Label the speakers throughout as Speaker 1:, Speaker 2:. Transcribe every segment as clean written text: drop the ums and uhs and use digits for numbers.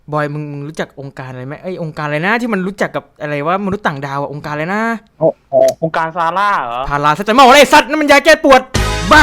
Speaker 1: บอยมึงรู้จักองค์การอะไรไหมองค์การอะไรนะที่มันรู้จักกับอะไรว่ามนุษย์ต่างดาวองค์การอะไรนะ
Speaker 2: องค์การซาร่าเหรอ
Speaker 1: พาราเซตามอลอะไรสัตว์นั่นมันยาแก้ปวดบ้า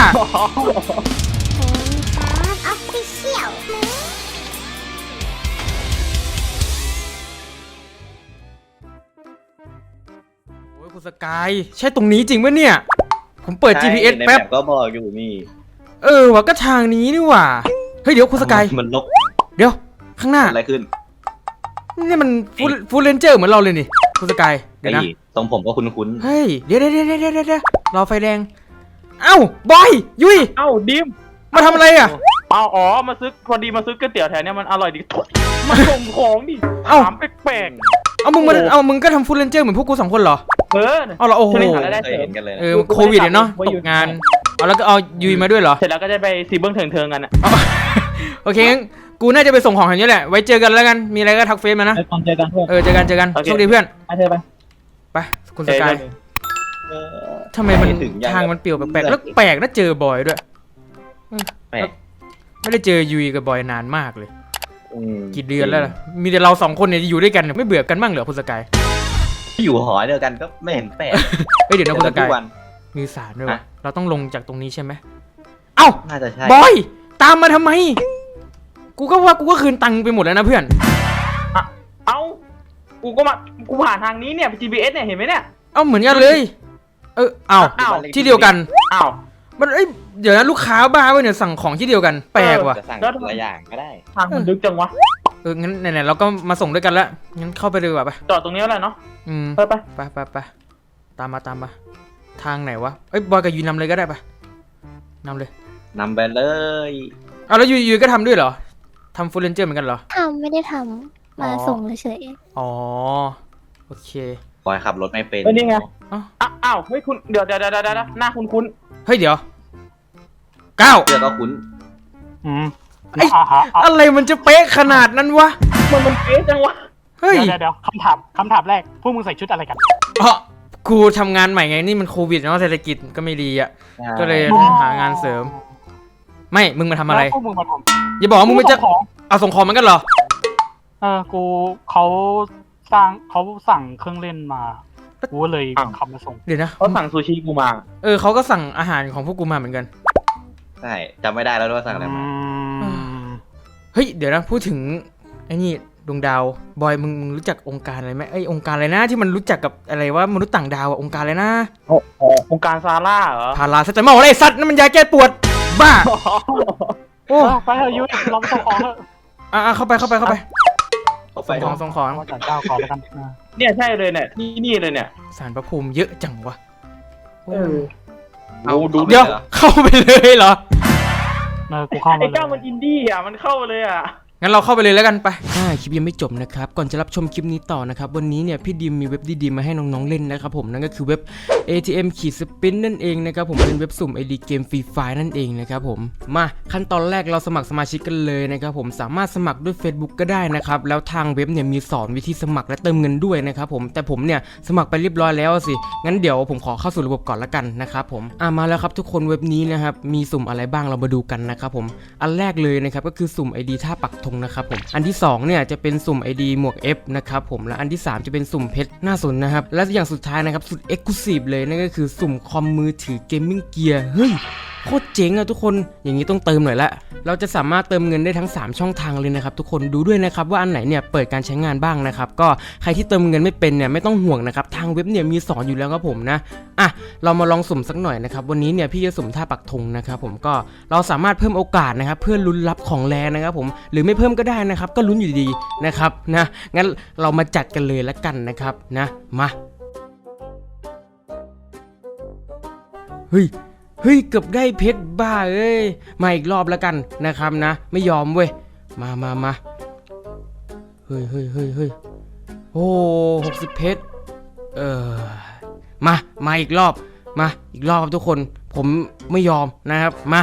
Speaker 1: โอ้ยคุณสกายใช่ตรงนี้จริงปะเนี่ยผมเปิด GPS แป๊บ
Speaker 3: ก็บอกอยู่นี่
Speaker 1: ว่าก็ทางนี้นี่หว่าเฮ้ยเดี๋ยวคุณสกาย
Speaker 3: มันนก
Speaker 1: เดี๋ยวข้างหน้า
Speaker 3: อะไรขึ้น
Speaker 1: นี่มันฟูลเรนเจอร์เหมือนเราเลยนี่คุณสกายเดี๋ยวนะ
Speaker 3: ตรงผมก็คุ้น
Speaker 1: เฮ้ยเดี๋ยวรอไฟแดงเอ้าบอยยุ้ย
Speaker 2: เอ้าดิม
Speaker 1: มาทำอะไรอ่ะ
Speaker 2: อ๋อมาซื้อพอดีมาซื้อก๋วยเตี๋ยวแถวเนี้ยมันอร่อยดีมาส่งของดิถามแปลก
Speaker 1: มึงก็ทำฟูลเรนเจอร์เหมือนพวกกู2 คนเหรอเอาละโอ้โหโควิดเนาะตกงานเอาแล้วก็เอายุ้ยมาด้วยเหรอ
Speaker 2: เสร็จแล้วก็จะไปซีเบิ้งเถิงกันอ่ะ
Speaker 1: โอเคงั้นกูน่าจะไปส่งของอย่างนี้แหละไว้เจอกันแล้วกันมีอะไรก็ทักเฟซมานะ
Speaker 2: เจอกันเพื่อน
Speaker 1: เจอกันโชคดีเพื่อนไปคุณสกายทำไมมันทางมันเปลี่ยวแปลกๆแล้วแปลกนะเจอบอยด้วยไม่ได้เจอยุยกับบอยนานมากเลยกี่เดือนแล้วล่ะมีแต่เรา2 คนเนี่ยอยู่ด้วยกันไม่เบื่อกันบ้างเหรอคุณสกาย
Speaker 3: อยู่หอเดียวกันก็ไม่เห็นแปลก
Speaker 1: เดี๋ยวนะคุณสกายมีสารด้วยวะเราต้องลงจากตรงนี้ใช่ไหมเอ้า
Speaker 3: น่าจะใช่
Speaker 1: บอยตามมาทำไมกูก็คืนตังค์ไปหมดแล้วนะเพื่อน
Speaker 2: เอ้ากูผ่านทางนี้เนี่ย GPS เนี่ยเห็นไหมเนี่ย
Speaker 1: เอ้าเหมือนกันเลยที่เดียวกันมันเดี๋ยวนะลูกค้าบ้าเว้ยเนี่ยสั่งของที่เดียวกันแปลกว่ะ
Speaker 3: สั่งหลายอย่างก็ได้
Speaker 2: ทางมันลึกจังวะ
Speaker 1: งั้นไหนๆเราก็มาส่งด้วยกันแล้วงั้นเข้าไปเลยดีกว่าไป
Speaker 2: จอดตรงนี้แล้วเนาะ
Speaker 1: ไปตามมาทางไหนวะบอยกับยูนำเลยก็ได้ปะนำเลย
Speaker 3: นำไปเลย
Speaker 1: แล้วยูก็ทำด้วยเหรอทำฟูลเรนเจอร์เหมือนกันเหรอ
Speaker 4: ไม่ได้ทำมาส่งเฉย
Speaker 1: อ๋อโอเค
Speaker 3: บอยขับรถไม่เป็น
Speaker 2: นี่ไงอ้าวเฮ้ยคุณเดี๋ยวหน้าคุณ
Speaker 1: เฮ้ยเดี๋ยวก้าว
Speaker 3: เดี๋ยวก็คุ้น
Speaker 1: อะไรมันจะเป๊ะขนาดนั้นวะ
Speaker 2: มันเป๊ะจังวะ
Speaker 1: เฮ้ย
Speaker 2: เดี๋ยวคำถามแรกพวกมึงใส่ชุดอะไรกัน
Speaker 1: กูทำงานใหม่ไงนี่มันโควิดเนาะเศรษฐกิจก็ไม่ดีอ่ะก็เลยหางานเสริมไม่มึงมาทำอะไร
Speaker 2: พวกมึงมาทำ
Speaker 1: อย่าบอกว่ามึงจะเอาส่งของมันกันเหรอ
Speaker 2: เขาสั่งเครื่องเล่นมากูเลยขับมาส่ง
Speaker 1: เดี๋ยวนะ
Speaker 2: เขาสั่งซูชิกูมา
Speaker 1: เขาก็สั่งอาหารของพวกกูมาเหมือนกัน
Speaker 3: ใช่จำไม่ได้แล้วว่าสั่งอะไรมา
Speaker 1: เฮ้ยเดี๋ยวนะพูดถึงไอ้นี่ดวงดาวบอยมึงรู้จักองค์การอะไรไหมองค์การอะไรนะที่มันรู้จักกับอะไรว่ามนุษย์ต่างดาวองค์การอะไรนะ
Speaker 2: องค์การซาร่าเหรอ
Speaker 1: พาราเซตามอลอะไรสัตว์นั่นมันยาแก้ปวดบ้า
Speaker 2: โอ้ไปเถอะยุ้ยเราส่งของเถ
Speaker 1: อะเข้าไปส่งของ
Speaker 2: จัดเจ้าขอแล้วกันเนี่ยใช่เลยเนี่ยนี่เลยเนี่ย
Speaker 1: สารพระภูมิเยอะจังวะ
Speaker 3: เอาดู
Speaker 1: เดี๋ยวเข้าไปเลยเหรอ
Speaker 2: กูเข้ามาไอ้เจ้ามันอินดี้อ่ะมันเข้าเลยอ่ะ
Speaker 1: งั้นเราเข้าไปเลยแล้วกันไปคลิปยังไม่จบนะครับก่อนจะรับชมคลิปนี้ต่อนะครับวันนี้เนี่ยพี่ดิมมีเว็บดีๆมาให้น้องๆเล่นนะครับผมนั่นก็คือเว็บ ATM สปินนั่นเองนะครับผมเป็นเว็บสุ่ม ID เกมฟรีไฟล์นั่นเองนะครับผมมาขั้นตอนแรกเราสมัครสมาชิกกันเลยนะครับผมสามารถสมัครด้วย Facebook ก็ได้นะครับแล้วทางเว็บเนี่ยมีสอนวิธีสมัครและเติมเงินด้วยนะครับผมแต่ผมเนี่ยสมัครไปเรียบร้อยแล้วสิงั้นเดี๋ยวผมขอเข้าสู่ระบบก่อนละกันนะครับผมมาแล้วครับทุกคนเว็บนี้นะครับมีสุ่มอะไรบ้างเรามาดูกันนะครับผมอันแรกเลยนะครับก็คือสุ่ม ID ท่าปักธงนะครับผมอันที่2เนี่ยจะเป็นสุ่ม ID หมวก F นะครับผมและอันที่3จะเป็นสุ่มเพชรน่าสนนะครับและอย่างสุดท้ายนะครับสุด Exclusive เลยนั่นก็คือสุ่มคอมมือถือเกมมิ่งเกียร์เฮ้ยโคตรเจ๋งอะทุกคนอย่างนี้ต้องเติมหน่อยละเราจะสามารถเติมเงินได้ทั้ง3ช่องทางเลยนะครับทุกคนดูด้วยนะครับว่าอันไหนเนี่ยเปิดการใช้งานบ้างนะครับก็ใครที่เติมเงินไม่เป็นเนี่ยไม่ต้องห่วงนะครับทางเว็บเนี่ยมีสอนอยู่แล้วครับผมนะเรามาลองสุ่มสักหน่อยนะครับวันนี้เนี่ยพี่จะสุ่มท่าปักธงนะครับผมก็เราสามารถเพิ่มโอกาสนะครับเพื่อลุ้นรับของแรงนะครับผมหรือไม่เพิ่มก็ได้นะครับก็ลุ้นอยู่ดีนะครับนะงั้นเรามาจัดกันเลยละกันนะครับนะมาเฮ้ยเกือบได้เพชรบ้าเอ้ยมาอีกรอบแล้วกันนะครับนะไม่ยอมเว้ยมาเฮ้ยโอ้60เพชรมาอีกรอบครับทุกคนผมไม่ยอมนะครับมา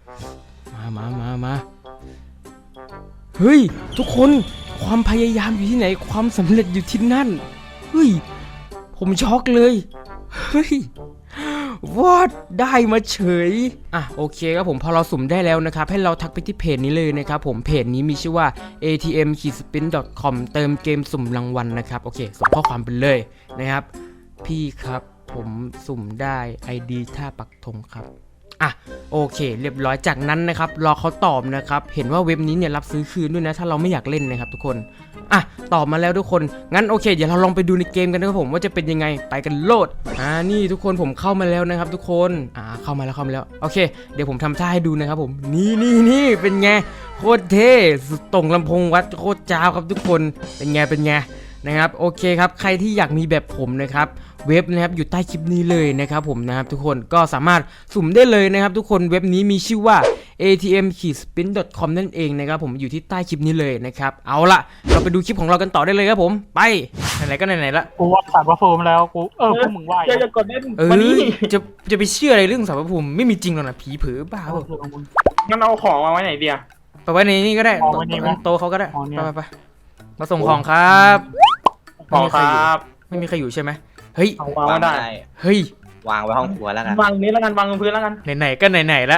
Speaker 1: เฮ้ยทุกคนความพยายามอยู่ที่ไหนความสำเร็จอยู่ที่นั่นเฮ้ยผมช็อกเลยเฮ้ยวอดได้มาเฉยอ่ะโอเคครับผมพอเราสุ่มได้แล้วนะครับให้เราทักไปที่เพจนี้เลยนะครับผมเพจนี้มีชื่อว่า atm-spin.com เติมเกมสุ่มรางวัลนะครับโอเคส่งข้อความไปเลยนะครับพี่ครับผมสุ่มได้ ID ท่าปักธงครับอ่ะโอเคเรียบร้อยจากนั้นนะครับรอเขาตอบนะครับเห็นว่าเว็บนี้เนี่ยรับซื้อคืนด้วยนะถ้าเราไม่อยากเล่นนะครับทุกคนอ่ะตอบมาแล้วทุกคนงั้นโอเคเดี๋ยวเราลองไปดูในเกมกันนะครับผมว่าจะเป็นยังไงไปกันโลดนี่ทุกคนผมเข้ามาแล้วนะครับทุกคนเข้ามาแล้วโอเคเดี๋ยวผมทำท่าให้ดูนะครับผมนี่เป็นไงโคตรเท่สุดตรงลำโพงวัดโคตรจ้าวครับทุกคนเป็นไงนะครับโอเคครับใครที่อยากมีแบบผมนะครับเว็บนะครับอยู่ใต้คลิปนี้เลยนะครับผมนะครับทุกคนก็สามารถสุ่มได้เลยนะครับทุกคนเว็บนี้มีชื่อว่า atm-spin.com นั่นเองนะครับผมอยู่ที่ใต้คลิปนี้เลยนะครับเอาละเราไปดูคลิปของเรากันต่อได้เลยครับผมไปไหนๆก็ไหนๆละ
Speaker 5: กูวัดสารพระภูมิแล้วกูพวกมึงไหว
Speaker 2: จะกดเล่นวันนี้
Speaker 1: จะไปเชื่ออะไรเรื่องสารพระภูมิไม่มีจริงหรอกนะผีเผือบ้าเปล่า
Speaker 2: งั้นเอาของมาไว้ไหนเดีย
Speaker 1: ไปไว้ในนี่ก็ได้
Speaker 5: เอาไว้นี่ไหม
Speaker 1: โต๊ะเขาก็ได้
Speaker 5: เอาเนี่ย
Speaker 1: ไปมาส่งของครับ
Speaker 2: ของครับ
Speaker 1: ไม่มีใครอยู่ใช่ไหมเฮ้ย
Speaker 2: เอาวางไว้ได้
Speaker 1: เฮ้ยว
Speaker 3: างไว้ห้องครัวแล้วกัน
Speaker 2: วางตรงนี้แล้วกันวางบนพื้นแล้วกัน
Speaker 1: ไหนๆก็ไหนๆละ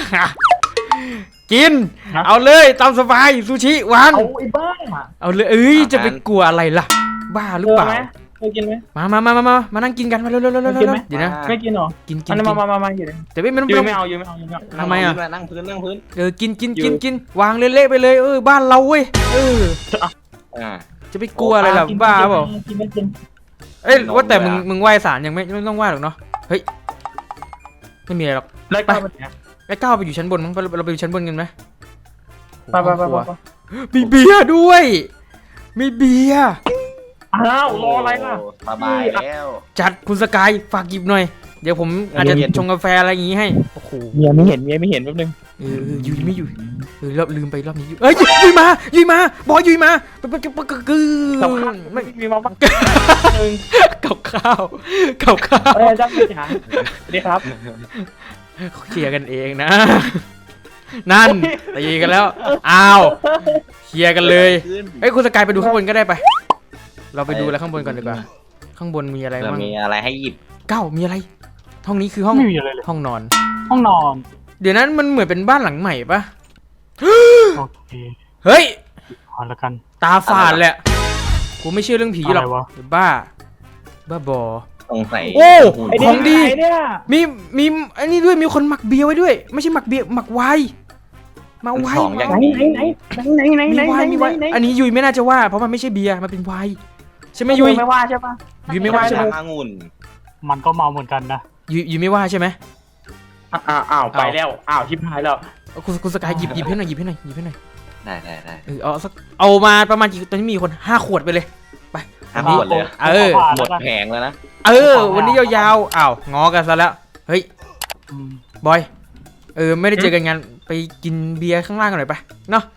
Speaker 1: กิน
Speaker 2: ฮะ
Speaker 1: เอาเลยตามสบายซูชิวาง
Speaker 2: เอาไอ้บ้า
Speaker 1: เอาเลยจะไปกลัวอะไรล่ะ บ้าหรือเปล่า
Speaker 2: ไหมเคยกินไหม
Speaker 1: มานั่งกินกันมาเร็วๆ
Speaker 2: กินไหม
Speaker 1: เดี๋ยวนะ
Speaker 2: ไม่กินหรอ
Speaker 1: กิน
Speaker 2: อันนี้มาอยู่เลย
Speaker 1: แต่ไม่ต้อง
Speaker 2: ยืมไม่เอายืมไม่เอายืมไม่เอา
Speaker 1: ทำไมอ่ะ
Speaker 3: นั่งพื้น
Speaker 1: กินวางเละๆไปเลยบ้านเราเว้ย
Speaker 3: อ่า
Speaker 1: จะไปกลัวอะไรล่ะบ้าเปล่า
Speaker 2: กินไม่กิน
Speaker 1: ว่าแต่มึงไหว้ศาลยังไม่ต้องไหว้หรอกเนาะเฮ้ยไม่มีอะไรหรอก
Speaker 2: แล้วก็ไปไหน
Speaker 1: ไอ้ก้าวไปอยู่ชั้นบนมั้งเราไปอยู่ชั้นบนกันไหม
Speaker 2: ไป
Speaker 1: มีเบียร์ด้วยมีเบียร์
Speaker 2: อ้าวรออะไรล่ะ
Speaker 3: สบายแล้ว
Speaker 1: จัดคุณสกายฝากหยิบหน่อยเดี๋ยวผมอาจจะชงกาแฟอะไรอย่างงี้ให้โอ้โห
Speaker 2: เมียไม่เห็นแป๊บนึง
Speaker 1: ยุยไม่อยู่รอบลืมไปรอบนี้ยุยมาบอกยุยมาไม่
Speaker 2: มีมาบ้างนึง
Speaker 1: กับข้าว
Speaker 2: จ้าพี่จ๋าสวัสดีครับ
Speaker 1: เคลียร์กันเองนะ นั่นตีกันแล้วอ้าวเคลียร์กันเลยเฮ้ยคุณสกายไปดูข้างบนก็ได้ไปเราไปดูอะไรข้างบนก่อนดีกว่าข้างบนมีอะไรบ้าง
Speaker 3: มีอะไรให้หยิบ
Speaker 1: เก้ามีอะไรห้องนี้คือห้อง
Speaker 5: ไม่มีอะไรเลย
Speaker 1: ห้องนอน
Speaker 5: ห้องนอน
Speaker 1: เดี๋ยวนั้นมันเหมือนเป็นบ้านหลังใหม่ปะ
Speaker 5: โอเค
Speaker 1: เฮ้ย
Speaker 5: พอแล้วกัน
Speaker 1: ตาฝาดแหละกูไม่เชื่อเรื่องผีหรอก
Speaker 5: อะไรวะ
Speaker 1: บ้าบอ
Speaker 3: สงสัย
Speaker 1: โอ้
Speaker 2: ไอ้
Speaker 1: ของดี
Speaker 2: เนี่ย
Speaker 1: มีอันนี้ด้วยมีคนหมักเบียร์ไว้ด้วย ไม่ใช่หมักเบียร์หมักไวน์มาไวน์
Speaker 2: ไหน
Speaker 1: มีไวน์อันนี้ยุยไม่น่าจะว่าเพราะมันไม่ใช่เบียร์มันเป็นไวน์ใช่ไหมยุย
Speaker 2: ไม่ว่าใช่ปะ
Speaker 1: ยุยไม่ว่าใช่ไหม
Speaker 3: องุ่น
Speaker 5: มันก็เมาเหมือนกันนะ
Speaker 1: ยุยไม่ว่าใช่ไหม
Speaker 2: อ้าวไปแล้วอ้าวชิบหายแล้ว
Speaker 1: คุณสกายหยิบให้หน่อย
Speaker 3: ได้
Speaker 1: เอามาประมาณกี่ตอนนี้มีคน5 ขวดไปเลย
Speaker 3: ห้าขวดเลย หมดแผงแล้วนะ
Speaker 1: วันนี้ยาวๆอ้าวงอกันซะแล้วเฮ้ย
Speaker 5: อืม
Speaker 1: บอยไม่ได้เจอกันงานไปกินเบียร์ข้างล่างกันหน่อยปะเนาะ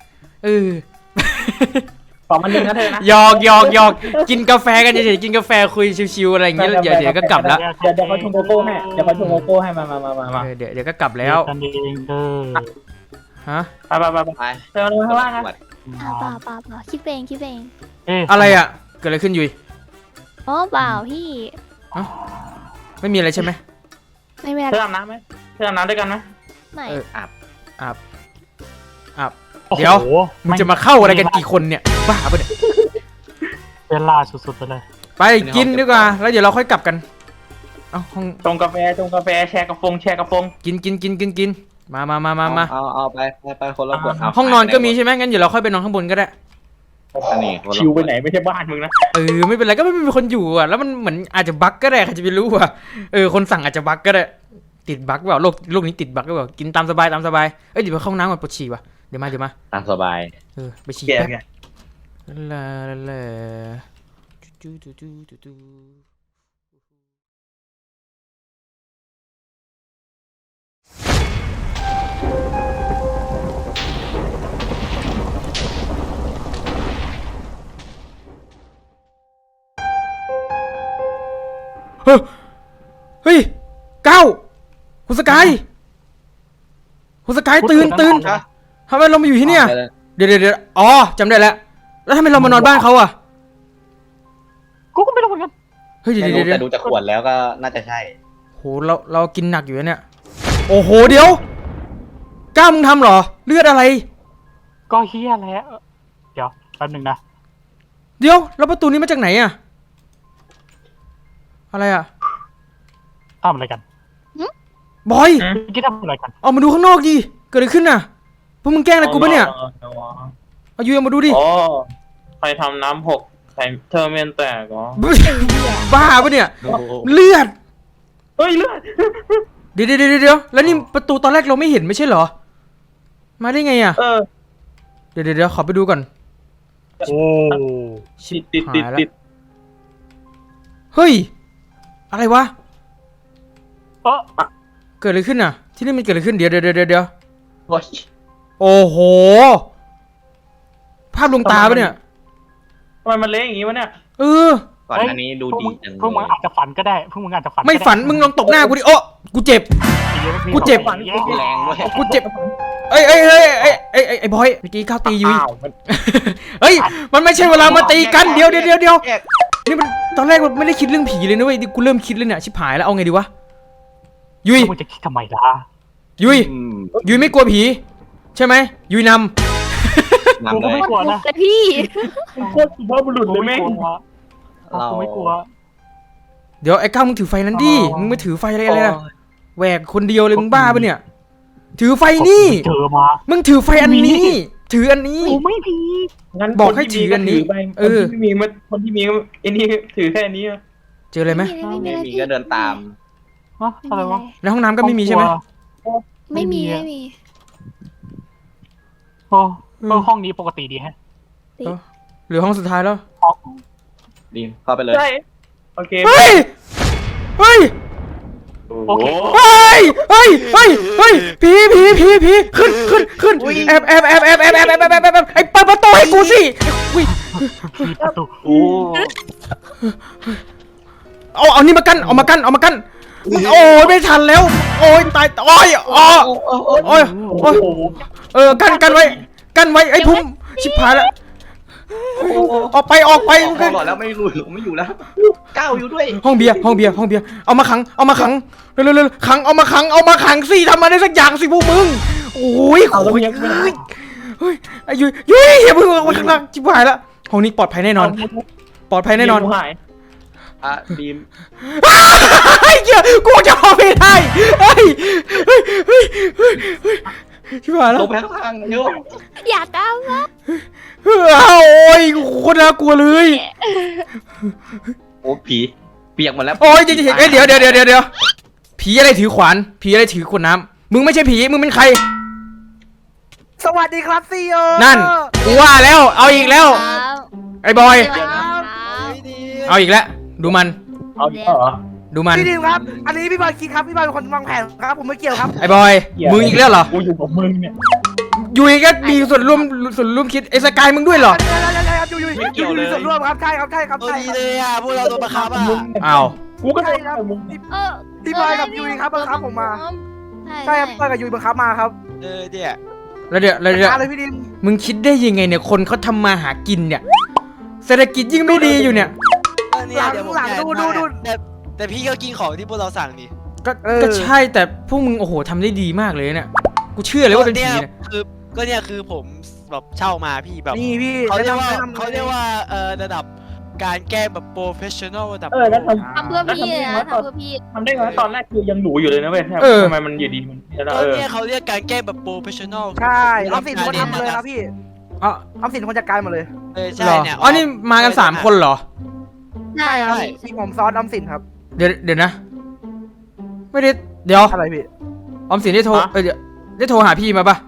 Speaker 2: 2 มัน1นะเธอนะ
Speaker 1: หยอกกินกาแฟกันเฉยๆกินกาแฟคุยชิวๆอะไรอย่างเงี้ยเดี๋ยวก็กลับแล้ว
Speaker 2: เดี๋ยวเขาชงโกโก้ให้เดี๋ยวเขาชงโกโก้ให้มา
Speaker 1: เดี๋ยวก็กลับแล้ว
Speaker 5: กันเอง
Speaker 1: ฮะ
Speaker 2: ไปเธอลงข้างล่างนะ
Speaker 4: เปล่าคิดเอง
Speaker 1: อะไรอ่ะเกิดอะไรขึ้นยุย
Speaker 4: อ๋อเปล่าพี่
Speaker 1: ไม่มีอะไรใช่ไหม
Speaker 4: ไม่เป็น
Speaker 2: เธอ
Speaker 4: ไร
Speaker 2: อาบน้ำไหมเธออาบน้ำด้วยกันไหม
Speaker 4: ไม่
Speaker 1: อาบเดี๋ยวมึงจะมาเข้าอะไรกันกี่คนเนี่ยบ้าปะเนี่ย
Speaker 5: เป็นลาสุดๆไปเลย
Speaker 1: ไปกินดีกว่าแล้วเดี๋ยวเราค่อยกลับกันเอาห้อง
Speaker 2: ชงกาแฟแชร์กระฟง
Speaker 1: กินมา
Speaker 3: เอาไปคนละขวด
Speaker 1: ห้องนอนก็มีใช่ไหมงั้นเดี๋ยวเราค่อยไปนอนข้างบนก็ได้
Speaker 3: อันนี้
Speaker 2: ชิวไปไหนไม่ใช่บ้านมึงนะ
Speaker 1: ไม่เป็นไรก็ไม่มีคนอยู่อ่ะแล้วมันเหมือนอาจจะบั๊กก็ได้ใครจะไปรู้อ่ะคนสั่งอาจจะบั๊กก็ได้ติดบั๊กเปล่าโลกนี้ติดบั๊กหรือเปล่ากินตามสบายเดี๋ยวไปเข้าห้องน้ำก่อนปวดฉี่ว่ะเดี๋ยวมา
Speaker 3: ตามสบาย
Speaker 1: ไปฉี่
Speaker 2: แก
Speaker 1: แป๊บ
Speaker 2: ไง
Speaker 1: ลาเฮ้ยเก้าคุณสกายตื่นทำไมเรามาอยู่ที่เนี่ยเดี๋ยวอ๋อจำได้แล้วทำไมเรามานอนบ้านเขาอ่ะ
Speaker 5: กูก็ไม่รู้เหมือนกัน
Speaker 1: เฮ้ยเดี๋ยว
Speaker 3: แต่ดูจากขวดแล้วก็น่าจะใช่
Speaker 1: โเรากินหนักอยู่นะเนี่ยโอ้โหเดี๋ยวกล้ามึงทำเหรอเลือดอะไร
Speaker 5: ก็เฮียแล้วเดี๋ยวแป๊บหนึงนะ
Speaker 1: เดี๋ยวแล้วประตูนี้มาจากไหนอะอะไรอะ
Speaker 5: ทำอะไรกัน
Speaker 1: บอย
Speaker 5: เมื่อกี้ทำอะไรกัน
Speaker 1: ออกมาดูข้างนอกดิเกิดอะไรขึ้นน่ะพวกมึงแกล้งอะไรกูปะเนี่ยเอายูเอามาดูดิ
Speaker 2: โอ้ใครทำน้ำหกใส่เทอร์เมนแตกเหรอ
Speaker 1: บ้าปะเนี่ย
Speaker 3: โอ้โห
Speaker 1: เลือด
Speaker 2: เฮ้ยเลือด
Speaker 1: เดี๋ยวแล้วนี่ประตูตอนแรกเราไม่เห็นไม่ใช่เหรอมาได้ไงอะ เดี๋ยวขอไปดูก่อน
Speaker 5: โอ้
Speaker 2: ติด
Speaker 1: เฮ้ยอะไรวะ
Speaker 5: เออ
Speaker 1: เกิดอะไรขึ้นน่ะ ที่นี่มันเกิดอะไรขึ้นเดี๋ยว
Speaker 3: โอ้ย
Speaker 1: โอ้โหภาพลวงตาปะเนี่ย
Speaker 2: ทำไมมันเละอย่างงี้วะเนี่ย
Speaker 1: เออ
Speaker 3: ก่อนอันนี้ดูดีจัง
Speaker 5: พวกมึงอาจจะฝันก็ได้พวกมึงอาจจะฝัน
Speaker 1: ไม่ฝันมึงลองตบหน้ากูดิโอ้กูเจ็บ กูเจ็บ
Speaker 3: แรงด้วย
Speaker 1: กูเจ็บไอ้บอยเมื่อกี้ข้าวตียุย
Speaker 2: อ้าวมัน
Speaker 1: เฮ้ยมันไม่ใช่เวลามาตีกันเดี๋ยวนี่มันตอนแรกมันไม่ได้คิดเรื่องผีเลยนะเว้ยนี่กูเริ่มคิดเลยเนี่ยชิบหายแล้วเอาไงดีวะยุย
Speaker 5: มึงจะคิดทำไมล่ะ
Speaker 1: ยุย
Speaker 3: อืม
Speaker 1: ยุยไม่กลัวผีใช่ไหมยุยน
Speaker 3: นำเลย
Speaker 5: ไม่กลัวนะ
Speaker 4: แต่พี่
Speaker 2: โคตรสุภาพบุรุษเลยแม่ง
Speaker 5: กูไม่กลัว
Speaker 1: ำเดี๋ยวไอ้ก้าวมึงถือไฟนั้นดิมึงไม่ถือไฟอะไรนะแหวกคนเดียวเลยมึงบ้าปะเนี่ย ถือไฟนี่
Speaker 5: เจอมา
Speaker 1: มึงถือไฟอันนี้ ถืออันนี้
Speaker 5: กูไม่มี
Speaker 2: งั้น
Speaker 1: บอกให้ถืออันนี้
Speaker 2: คนที่มีมันคนที่มีไอ้นี่ถือแค่นี้
Speaker 1: เจออะไรไหม
Speaker 4: ไม่มี
Speaker 3: ไม่
Speaker 4: อะไร
Speaker 3: มี
Speaker 4: พี่
Speaker 3: ก็เดินตาม
Speaker 5: ฮะอะไรวะ
Speaker 1: ในห้องน้ำก็ไม่มีใช่ไหม
Speaker 4: ไม่มี
Speaker 5: โอ้ห้องนี้ปกติดีฮะ
Speaker 1: เหลือห้องสุดท้ายแล้ว
Speaker 3: ดีเข้าไปเลย
Speaker 2: ใช่โอเค
Speaker 1: เฮ้ย
Speaker 5: โอเค
Speaker 1: ผีขึ้นแอบไอ้เปิดประตูให้กูสิอุ้ย
Speaker 5: มีประตู
Speaker 3: โอ้
Speaker 1: เอานี่มากั้นเอามากั้นโอ้ยไม่ทันแล้ว โอ้ยตายโอ้ยกันไว้ไอ้พุ่มชิบหายแล้วออกไป
Speaker 3: พอหลอดแล้วไม่อยู่แล้วก้าวอยู่ด้วย
Speaker 1: ห้องเบียร์เอามาขังเร็วขังเอามาขังสิทำมาได้สักอย่างสิพวกมึงโอ้ยเฮ้ยยุ้ยอย่าเพิ่งออกมาข้างล่างชิบหายแล้วห้องนี้ปลอดภัยแน่นอน
Speaker 2: หาย
Speaker 3: ดีม
Speaker 1: ไอ้เหี้ยกูจะออกไม่ได้เฮ้ยชิบหายแล้ว
Speaker 3: ลงไปข้างล่างเยอะ
Speaker 4: อยากก้าวมา
Speaker 1: โอ้ยโคตรน่ากลัวเลย
Speaker 3: โอ้ผีเปียกหมดแล้ว
Speaker 1: โอ้ยเดี๋ยวผีอะไรถือขวานผีอะไรถือขวดน้ำมึงไม่ใช่ผีมึงเป็นใคร
Speaker 6: สวัสดีครับซีโอ
Speaker 1: นั่นกูว่าแล้วเอาอีกแล้ว ไอ้บอย เอาอีกแล้วดูมัน
Speaker 2: เอาอีกแล้วเหรอ
Speaker 1: ดูมัน
Speaker 6: พี่ดิมครับ อันนี้พี่บอยคิดครับ พี่บอยเป็นคนวางแผนครับ ผมไม่เกี่ยวครับ
Speaker 1: ไอ้บอยมึงอีกแล้วเหรอ
Speaker 2: กูอยู่กับมึงเนี่ย
Speaker 1: ยุยก็มีส่วนร่วมคิดไอ้สกายมึงด้วยเหรอ
Speaker 6: อยู่มีส่วนร่วมครับ ใช่ครับ ใช่ครับ
Speaker 7: ตัว
Speaker 6: ใช่
Speaker 7: ดี
Speaker 6: ครับ
Speaker 7: เลยอ่ะพวกเราโดนบังคับอ่ะ
Speaker 1: อ้าว
Speaker 2: กูก็โด
Speaker 6: ใช่
Speaker 2: น
Speaker 6: ครับ
Speaker 2: มึง
Speaker 6: พี่บอยกับยุยครับบังคับผมมา ใช่ครับบอยกับยุยบังคับมาครับ
Speaker 7: เนี่ย
Speaker 1: แล้วเดี๋ยว
Speaker 6: อะไรพี่ดิม
Speaker 1: มึงคิดได้ยังไงเนี่ยคนเขาทำมาหากินเนี่ยเศรษฐกิจยิ่งไม่ดีอยู่เนี่ย
Speaker 7: เนี่ยเดี๋ยวผมแต่พี่ก็กินของที่พวกเราสั่งนี่
Speaker 1: ก็ใช่แต่พวกมึงโอ้โหทำได้ดีมากเลยเนี่ยกูเชื่อเลยว่าเป็นผีเนี่ย
Speaker 7: คือผมแบบเช่ามาพี่แบบ
Speaker 6: นี่พี่
Speaker 7: เขาเรียกว่าระดับการแก้แบบโปรเฟชชั่นอลระดับ
Speaker 2: แล้ว
Speaker 4: ทำเพื่อพี่นะทำเพื่อพี่
Speaker 2: ทำได้ไงตอนแรกคือยังหนูอยู่เลยนะเว้ยทำไมมันอยู่ดีมัน
Speaker 7: เนี่ยเขาเรียกการแก้แบบโปรเฟชชั่นอล
Speaker 6: ใช่ออมสินคนทำเลยครับพี่
Speaker 1: อ๋อ
Speaker 6: ออมสินคนจัดการหมดเลย
Speaker 7: ใช่
Speaker 1: เหรอ
Speaker 7: เนี่ย
Speaker 1: อ๋อนี่มากัน3 คนเหรอ
Speaker 4: ใช่ครับ
Speaker 6: มีผมซอสออมสินครับ
Speaker 1: เดี๋ยวนะ ไม่ได้เดี๋ยว
Speaker 6: อะไรพี่
Speaker 1: ออมสินได้โทรเดี๋ยวได้โทรหาพี่มาปะ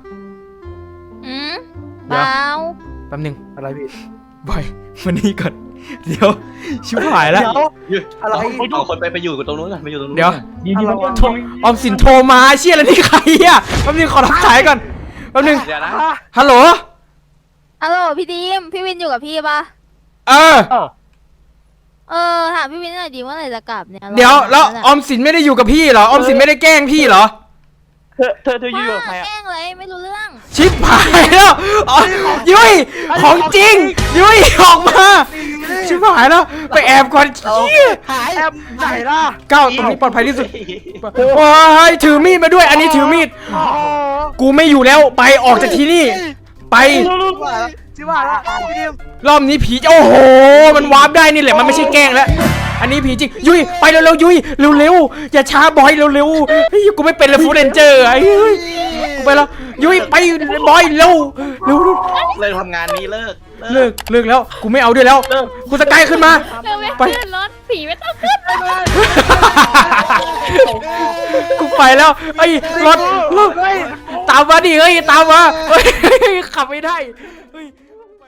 Speaker 4: เปล่า
Speaker 1: แป๊บนึง
Speaker 6: อะไรพี่
Speaker 1: บอยวันนี้ก่อนเดี๋ยวชิบหายแล้ว
Speaker 6: เดี๋ยวอะไร
Speaker 3: เอาคนไปอยู่ตรงนู้นก่อนไปอยู่ตรงนู้น
Speaker 1: เดี๋ยว
Speaker 2: ดีๆมัน
Speaker 1: ออมสินโทรมาเชี่ยอะไรนี่ใครอ่ะแป๊บนึงขอรับสายก่อนแป๊บนึง
Speaker 3: เดี๋ยวนะ
Speaker 1: ฮัลโหล
Speaker 4: ฮัลโหลพี่ดีมพี่วินอยู่กับพี่ปะ
Speaker 1: เออ
Speaker 4: ถามพี่วินหน่อยดีว่าไหนจะกลับเนี่ย
Speaker 1: เดี๋ยวแล้วออมสินไม่ได้อยู่กับพี่เหรอออมสินไม่ได้แกล้งพี่เหรอ
Speaker 2: เธออยู่กับใคร
Speaker 4: แกล้งเลยไม่รู้เรื่อง
Speaker 1: ชิบหายแล้วอ๋อยุ้ยของจริงยุ้ยออกมาชิบหายแล้วไปแอบก่อนเหี้ย
Speaker 7: หาย
Speaker 6: แอบไหนล่ะ
Speaker 1: ก้าวตรงนี้ปลอดภัยที่สุดโอ้ยถือมีดมาด้วยอันนี้ถือมีด
Speaker 6: โอ้โห
Speaker 1: กูไม่อยู่แล้วไปออกจากที่นี่ ไป
Speaker 6: ชิบหายละพี่ดิม
Speaker 1: รอบนี้ผีโอ้โหมันวาร์ปได้นี่แหละมันไม่ใช่แกล้งแล้วอันนี้ผีจริงยุ้ยไปเร็วๆยุ้ยเร็วๆอย่าช้าบอยเร็วๆเฮ้ยกูไม่เป็นเลยฟูเรนเจอร์ไอ้เฮ้ยกูไปแล้วยุ้ยไปบอยเร็วเร็ว
Speaker 3: เลิกทำงานนี้เลิก
Speaker 1: เลิกแล้วกูไม่เอาด้วยแล้วกูสกายขึ้นมา
Speaker 4: เร็วไปขึ้นรถผีไม่ต้องขึ้น
Speaker 1: กูไปแล้วไอ้รถตามมาดิเฮ้ยตามมาเฮ้ยขับไม่ได้เฮ้ย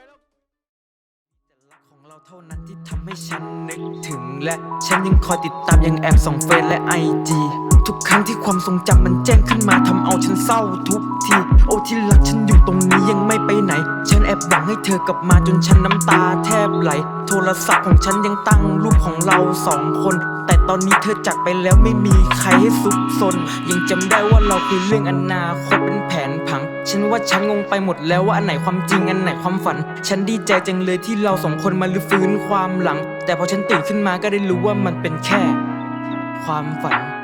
Speaker 8: ของเราเท่านั้นที่ทำให้ฉันนึกถึงและฉันยังคอยติดตามยังแอบส่องเฟซและIG ทุกครั้งที่ความทรงจำมันแจ้งขึ้นมาทำเอาฉันเศร้าทุกทีโอ้ที่รักฉันอยู่ตรงนี้ยังไม่ไปไหนฉันแอบหวังให้เธอกลับมาจนฉันน้ำตาแทบไหลโทรศัพท์ของฉันยังตั้งรูปของเราสองคนแต่ตอนนี้เธอจากไปแล้วไม่มีใครให้ซุกซนยังจำได้ว่าเราคุยเรื่องอนาคตเป็นแผนผังฉันว่าฉันงงไปหมดแล้วว่าอันไหนความจริงอันไหนความฝันฉันดีใจจังเลยที่เราสองคนมาลื้อฟื้นความหลังแต่พอฉันตื่นขึ้นมาก็ได้รู้ว่ามันเป็นแค่ความฝัน